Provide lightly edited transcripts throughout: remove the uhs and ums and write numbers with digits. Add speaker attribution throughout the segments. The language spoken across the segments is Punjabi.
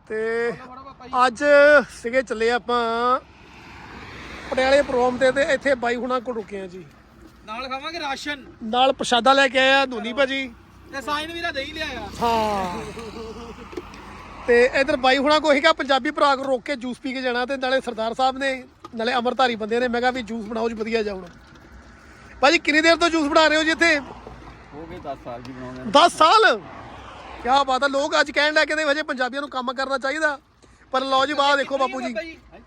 Speaker 1: ਤੇ ਅੱਜ ਸੀਗੇ ਚੱਲੇ ਆਪਾਂ ਪਟਿਆਲੇ ਪ੍ਰੋਗਰਾਮ ਤੇ ਇੱਥੇ ਬਾਈ ਹੁਣਾਂ ਕੋਲ ਰੁਕੇ ਆ ਜੀ।
Speaker 2: ਨਾਲ ਖਾਵਾਂਗੇ ਰਾਸ਼ਨ,
Speaker 1: ਨਾਲ ਪ੍ਰਸ਼ਾਦਾ ਲੈ ਕੇ ਆਇਆ ਧੋਨੀ ਭਾਜੀ
Speaker 2: ਤੇ ਸਾਈਨ ਵੀਰਾ ਦੇ ਹੀ ਲਿਆਇਆ।
Speaker 1: ਹਾਂ ਤੇ ਇਧਰ ਬਾਈ ਹੁਣਾਂ ਕੋ ਸੀਗਾ ਪੰਜਾਬੀ ਭਰਾ ਕੋ ਰੋਕ ਕੇ ਜੂਸ ਪੀ ਕੇ ਜਾਣਾ ਤੇ ਨਾਲੇ ਸਰਦਾਰ ਸਾਹਿਬ ਨੇ ਨਾਲੇ ਅਮਰਧਾਰੀ ਬੰਦੇ ਨੇ। ਮੈਂ ਕਿਹਾ ਵੀ ਜੂਸ ਬਣਾਓ ਜੀ ਵਧੀਆ ਜਾਉਣ। ਭਾਜੀ ਕਿੰਨੀ ਦੇਰ ਤੋਂ ਜੂਸ ਬਣਾ ਰਹੇ ਹੋ ਜੀ ਇੱਥੇ?
Speaker 2: ਹੋ ਗਏ 10 ਸਾਲ ਜੀ ਬਣਾਉਂਦੇ।
Speaker 1: 10 ਸਾਲ? ਕਿਆ ਬਾਤ ਹੈ। ਲੋਕ ਅੱਜ ਕਹਿਣ ਲੱਗੇ ਕਹਿੰਦੇ ਹਜੇ ਪੰਜਾਬੀਆਂ ਨੂੰ ਕੰਮ ਕਰਨਾ ਚਾਹੀਦਾ, ਪਰ ਲਓ ਜੀ ਬਾਹਰ ਦੇਖੋ ਬਾਪੂ ਜੀ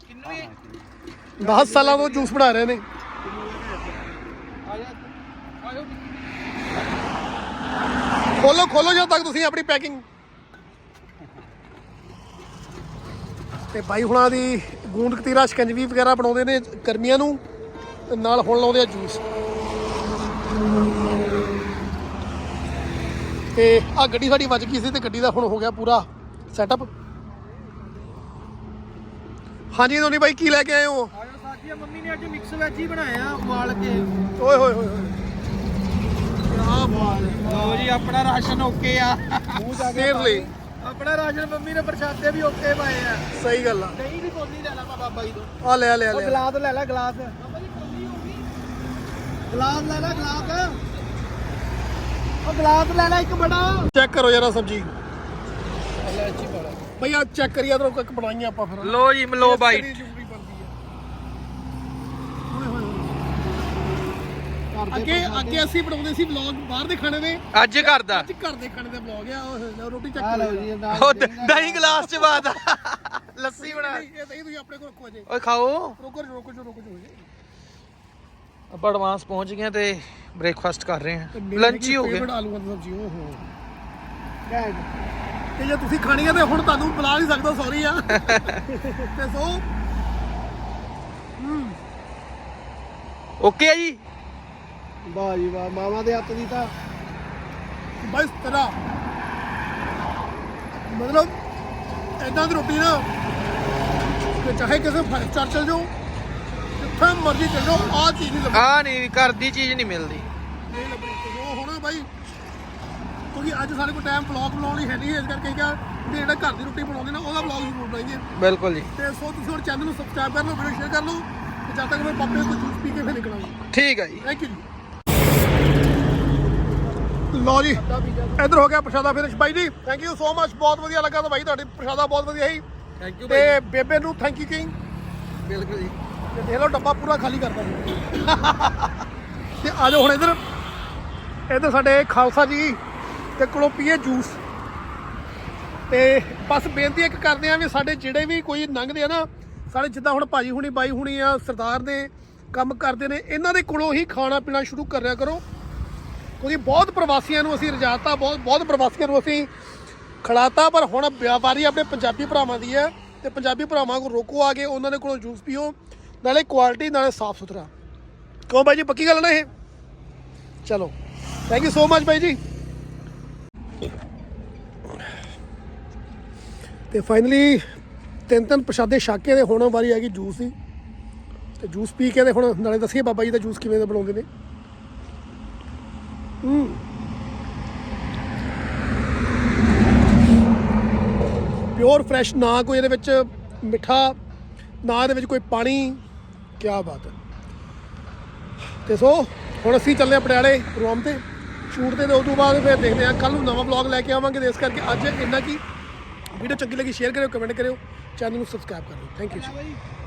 Speaker 1: 10 ਸਾਲਾਂ ਤੋਂ ਜੂਸ ਬਣਾ ਰਹੇ ਨੇ। ਖੋਲੋ ਖੋਲੋ ਜਦੋਂ ਤੱਕ ਤੁਸੀਂ ਆਪਣੀ ਪੈਕਿੰਗ। ਤੇ ਬਾਈ ਹੁਣਾਂ ਦੀ ਗੂੰਦ ਕਤੀਰਾ ਸ਼ਿਕੰਜਵੀ ਵਗੈਰਾ ਬਣਾਉਂਦੇ ਨੇ ਗਰਮੀਆਂ ਨੂੰ, ਤੇ ਨਾਲ ਹੁਣ ਲਾਉਂਦੇ ਆ ਜੂਸ। ਤੇ ਆ ਗੱਡੀ ਸਾਡੀ ਵੱਜ ਗਈ ਸੀ ਤੇ ਗੱਡੀ ਦਾ ਹੁਣ ਹੋ ਗਿਆ ਪੂਰਾ ਸੈਟਅਪ। ਹਾਂਜੀ ਧੋਨੀ ਬਾਈ ਕੀ ਲੈ ਕੇ ਆਏ ਹੋ?
Speaker 2: ਸਾਡੀ ਮੰਮੀ ਨੇ ਅੱਜ ਮਿਕਸ ਵੈਜ ਹੀ ਬਣਾਇਆ ਉਬਾਲ ਕੇ।
Speaker 1: ਓਏ ਹੋਏ ਹੋਏ ਹੋਏ ਕਿਆ ਬਾਤ ਹੈ।
Speaker 2: ਲਓ ਜੀ ਆਪਣਾ ਰਾਸ਼ਨ ਓਕੇ ਆ।
Speaker 1: ਸੀਰੀਅਸਲੀ
Speaker 2: ਆਪਣਾ ਰਾਸ਼ਨ ਮੰਮੀ ਨੇ ਪ੍ਰਸ਼ਾਦੇ ਵੀ ਓਕੇ ਪਾਏ ਆ।
Speaker 1: ਸਹੀ ਗੱਲ ਆ।
Speaker 2: ਦਹੀਂ ਦੀ ਕੋਲੀ ਲੈ ਲਾ ਬਾਬਾ ਜੀ ਤੋਂ।
Speaker 1: ਆ ਲੈ ਲੈ
Speaker 2: ਉਹ
Speaker 1: ਲੈ
Speaker 2: ਗਲਾਸ ਲੈ ਲੈ ਗਲਾਸ। ਗਲਾਸ ਲੈ ਲੈ ਗਲਾਸ। ਉਹ ਗਲਾਸ ਲੈ ਲੈ ਇੱਕ ਬੜਾ।
Speaker 1: ਚੈੱਕ ਕਰੋ ਜਰਾ ਸਬਜੀ ਬਈ ਆ ਚੈੱਕ ਕਰੀਏ ਇਧਰੋਂ ਇੱਕ ਬਣਾਈਆਂ ਆਪਾਂ ਫਿਰ।
Speaker 2: ਲੋ ਜੀ ਲੋ ਬਾਈਟ।
Speaker 1: ਅੱਗੇ ਅੱਗੇ ਅਸੀਂ ਬਣਾਉਂਦੇ ਸੀ ਵਲੌਗ ਬਾਹਰ ਦੇ ਖਾਣੇ ਦੇ।
Speaker 2: ਅੱਜ ਘਰ ਦਾ।
Speaker 1: ਅੱਜ ਘਰ ਦੇ ਖਾਣੇ ਦੇ ਵਲੌਗ ਆ। ਰੋਟੀ ਚੈੱਕ
Speaker 2: ਲਓ
Speaker 1: ਕਰੋ
Speaker 2: ਜੀ ਉਹ ਦਹੀਂ ਗਲਾਸ ਚ ਬਾਤ ਲੱਸੀ ਬਣਾ।
Speaker 1: ਇਹ ਦਹੀਂ ਤੁਸੀਂ ਆਪਣੇ ਕੋਲ ਰੱਖੋ ਜੇ।
Speaker 2: ਓਏ ਖਾਓ।
Speaker 1: ਰੁਕੋ ਰੁਕੋ ਰੁਕੋ ਜੀ।
Speaker 2: ਆਪਾਂ ਐਡਵਾਂਸ ਪਹੁੰਚ ਗਏ ਤੇ ਬ੍ਰੇਕਫਾਸਟ ਕਰ ਰਹੇ ਹਾਂ। ਲੰਚ ਹੀ ਹੋ ਗਿਆ।
Speaker 1: ਆਲੂਆਂ ਦੀ ਸਬਜ਼ੀ ਓਹੋ ਤੇ ਜੇ ਤੁਸੀਂ ਖਾਣੀ ਆ ਤੇ ਹੁਣ ਤੁਹਾਨੂੰ ਬੁਲਾ ਨਹੀਂ ਸਕਦਾ, ਸੌਰੀ ਆ। ਤੇ ਸੋ
Speaker 2: ਓਕੇ ਆ ਜੀ।
Speaker 1: ਵਾਹ ਜੀ ਵਾਹ, ਮਾਵਾਂ ਦੇ ਹੱਥ ਦੀ ਤਾਂ ਬਸ ਤੇਰਾ ਮਤਲਬ ਏਦਾਂ ਦੀ ਰੋਟੀ ਨਾ ਕਿ ਚਾਹੇ ਕਿਸੇ 5 ਸਟਾਰ ਚਲ ਜਾਓ, ਜਿੱਥੇ ਮਰਜ਼ੀ ਚਲ ਜਾਓ, ਆਹ ਚੀਜ਼ ਨਹੀਂ ਲੱਭਣੀ।
Speaker 2: ਆ ਨਹੀਂ ਘਰ ਦੀ ਚੀਜ਼ ਨਹੀਂ ਮਿਲਦੀ।
Speaker 1: ਨਹੀਂ ਲੱਭਣੀ ਤੇ ਉਹ ਹੋਣਾ ਬਾਈ, ਕਿਉਂਕਿ ਅੱਜ ਸਾਡੇ ਕੋਲ ਟਾਈਮ ਵਲੌਗ ਬਣਾਉਣ ਲਈ ਹੈ ਨਹੀਂ, ਇਸ ਕਰਕੇ ਕਿਹਾ ਵੀ ਜਿਹੜਾ ਘਰ ਦੀ ਰੋਟੀ ਬਣਾਉਂਦੇ ਨਾ ਉਹਦਾ ਵਲੌਗ ਜ਼ਰੂਰ ਬਣਾਈਏ।
Speaker 2: ਬਿਲਕੁਲ ਜੀ।
Speaker 1: ਤੇ ਸੋ ਤੁਸੀਂ ਹੁਣ ਚੈਨਲ ਨੂੰ ਸਬਸਕ੍ਰਾਈਬ ਕਰ ਲਓ, ਵੀਡੀਓ ਸ਼ੇਅਰ ਕਰ ਲਓ, ਤੇ ਜਦ ਤੱਕ ਮੈਂ ਪਾਪੇ ਤੋਂ ਜੂਸ ਪੀ ਕੇ ਫਿਰ ਨਿਕਲਾਂਗੇ।
Speaker 2: ਠੀਕ ਹੈ ਜੀ।
Speaker 1: ਥੈਂਕ ਯੂ ਜੀ। ਲਓ ਜੀ ਇੱਧਰ ਹੋ ਗਿਆ ਪ੍ਰਸ਼ਾਦਾ ਫਿਨਿਸ਼। ਬਾਈ ਜੀ ਥੈਂਕ ਯੂ ਸੋ ਮਚ, ਬਹੁਤ ਵਧੀਆ ਲੱਗਾ ਤਾਂ ਬਾਈ ਤੁਹਾਡੀ ਪ੍ਰਸ਼ਾਦਾ ਬਹੁਤ ਵਧੀਆ ਸੀ।
Speaker 2: ਥੈਂਕ ਯੂ
Speaker 1: ਤੇ ਬੇਬੇ ਨੂੰ ਥੈਂਕ ਯੂ ਕਿੰਗ।
Speaker 2: ਬਿਲਕੁਲ ਜੀ।
Speaker 1: ਤੇ ਦੇਖ ਲਓ ਡੱਬਾ ਪੂਰਾ ਖਾਲੀ ਕਰਦਾ ਸੀ। ਤੇ ਆ ਜਾਓ ਹੁਣ ਇੱਧਰ ਸਾਡੇ ਖਾਲਸਾ ਜੀ ਤੇ ਕੋਲੋਂ ਪੀਏ ਜੂਸ। ਤੇ ਬਸ ਬੇਨਤੀ ਇੱਕ ਕਰਦੇ ਆ ਵੀ ਸਾਡੇ ਜਿਹੜੇ ਵੀ ਕੋਈ ਲੰਘਦੇ ਆ ਨਾ, ਸਾਡੇ ਜਿੱਦਾਂ ਹੁਣ ਭਾਜੀ ਹੁਣੀ ਬਾਈ ਹੁਣੀ ਆ ਸਰਦਾਰ ਨੇ ਕੰਮ ਕਰਦੇ ਨੇ, ਇਹਨਾਂ ਦੇ ਕੋਲੋਂ ਹੀ ਖਾਣਾ ਪੀਣਾ ਸ਼ੁਰੂ ਕਰਿਆ ਕਰੋ, ਕਿਉਂਕਿ ਬਹੁਤ ਪ੍ਰਵਾਸੀਆਂ ਨੂੰ ਅਸੀਂ ਰਜਾਤਾ, ਬਹੁਤ ਪ੍ਰਵਾਸੀਆਂ ਨੂੰ ਅਸੀਂ ਖਿਲਾਤਾ, ਪਰ ਹੁਣ ਵਾਰੀ ਆਪਣੇ ਪੰਜਾਬੀ ਭਰਾਵਾਂ ਦੀ ਹੈ। ਤੇ ਪੰਜਾਬੀ ਭਰਾਵਾਂ ਕੋਲ ਰੋਕੋ ਆ ਕੇ, ਉਹਨਾਂ ਦੇ ਕੋਲੋਂ ਜੂਸ ਪੀਓ, ਨਾਲੇ ਕੁਆਲਿਟੀ ਨਾਲੇ ਸਾਫ ਸੁਥਰਾ। ਕਿਉਂ ਬਾਈ ਜੀ ਪੱਕੀ ਗੱਲ ਨਾ ਇਹ? ਚਲੋ ਥੈਂਕ ਯੂ ਸੋ ਮਚ ਬਾਈ ਜੀ। ਤੇ ਫਾਈਨਲੀ ਤਿੰਨ ਪ੍ਰਸ਼ਾਦੇ ਛਕ ਕੇ ਤੇ ਹੁਣ ਵਾਰੀ ਆ ਗਈ ਜੂਸ ਦੀ। ਤੇ ਜੂਸ ਪੀ ਕੇ ਤੇ ਹੁਣ ਨਾਲੇ ਦੱਸੀਏ ਬਾਬਾ ਜੀ ਦਾ ਜੂਸ ਕਿਵੇਂ ਦਾ ਬਣਾਉਂਦੇ ਨੇ। ਪਿਓਰ ਫਰੈਸ਼, ਨਾ ਕੋਈ ਇਹਦੇ ਵਿੱਚ ਮਿੱਠਾ, ਨਾ ਇਹਦੇ ਵਿੱਚ ਕੋਈ ਪਾਣੀ। ਕਿਆ ਬਾਤ ਹੈ। ਤੇ ਸੋ ਹੁਣ ਅਸੀਂ ਚੱਲੇ ਆ ਪਟਿਆਲੇ ਪ੍ਰੋਗਰਾਮ ਤੇ ਸ਼ੂਟ ਤੇ ਉਸ ਤੋਂ ਬਾਅਦ ਫਿਰ ਦੇਖਦੇ ਹਾਂ, ਕੱਲ੍ਹ ਨੂੰ ਨਵਾਂ ਵਲੌਗ ਲੈ ਕੇ ਆਵਾਂਗੇ। ਤੇ ਇਸ ਕਰਕੇ ਅੱਜ ਇੰਨਾ ਕੀ ਵੀਡੀਓ ਚੰਗੀ ਲੱਗੀ ਸ਼ੇਅਰ ਕਰਿਓ, ਕਮੈਂਟ ਕਰਿਓ, ਚੈਨਲ ਨੂੰ ਸਬਸਕ੍ਰਾਈਬ ਕਰ ਲਓ। ਥੈਂਕ ਯੂ ਜੀ।